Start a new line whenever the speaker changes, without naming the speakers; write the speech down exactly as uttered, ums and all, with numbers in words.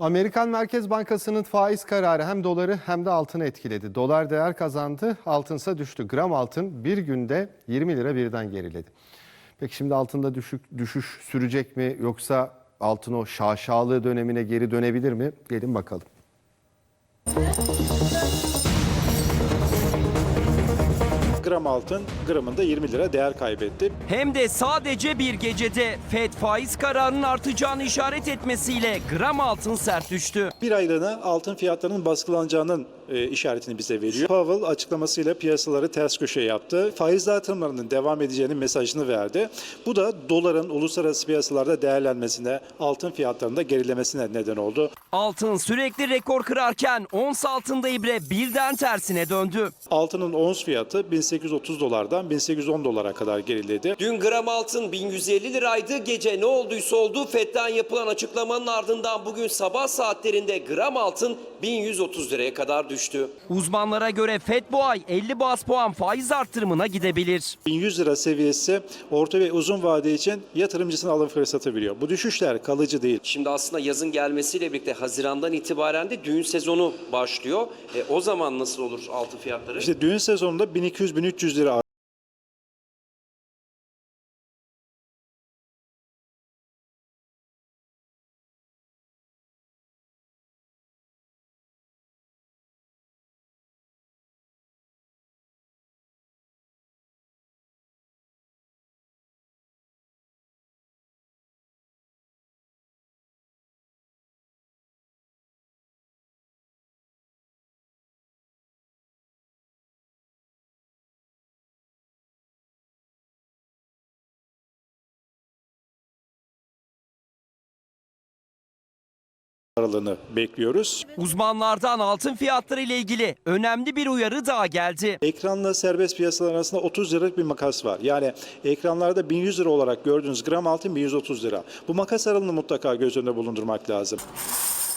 Amerikan Merkez Bankası'nın faiz kararı hem doları hem de altını etkiledi. Dolar değer kazandı, altınsa düştü. Gram altın bir günde yirmi lira birden geriledi. Peki şimdi altında düşük, düşüş sürecek mi, yoksa altın o şaşalı dönemine geri dönebilir mi? Gelin bakalım.
Gram altın gramında yirmi lira değer kaybetti.
Hem de sadece bir gecede Fed faiz kararının artacağını işaret etmesiyle gram altın sert düştü.
Bir aylığına altın fiyatlarının baskılanacağının e, işaretini bize veriyor. Powell açıklamasıyla piyasaları ters köşe yaptı. Faiz artırımlarının devam edeceğinin mesajını verdi. Bu da doların uluslararası piyasalarda değerlenmesine, altın fiyatlarında gerilemesine neden oldu.
Altın sürekli rekor kırarken ons altında ibre birden tersine döndü.
Altının ons fiyatı bin sekiz yüz otuz dolardan bin sekiz yüz on dolara kadar geriledi.
Dün gram altın bin yüz elli liraydı. Gece ne olduysa oldu. Fed'den yapılan açıklamanın ardından bugün sabah saatlerinde gram altın bin yüz otuz liraya kadar düştü.
Uzmanlara göre Fed bu ay elli baz puan faiz artırımına gidebilir.
bin yüz lira seviyesi orta ve uzun vade için yatırımcısına alım fırsatı veriyor. Bu düşüşler kalıcı değil.
Şimdi aslında yazın gelmesiyle birlikte Haziran'dan itibaren de düğün sezonu başlıyor. E, o zaman nasıl olur altın fiyatları?
İşte düğün sezonunda bin iki yüz bin üç yüz lira aralığını bekliyoruz.
Uzmanlardan altın fiyatları ile ilgili önemli bir uyarı daha geldi.
Ekranla serbest piyasalar arasında otuz liralık bir makas var. Yani ekranlarda bin yüz lira olarak gördüğünüz gram altın bin yüz otuz lira. Bu makas aralığını mutlaka göz önünde bulundurmak lazım.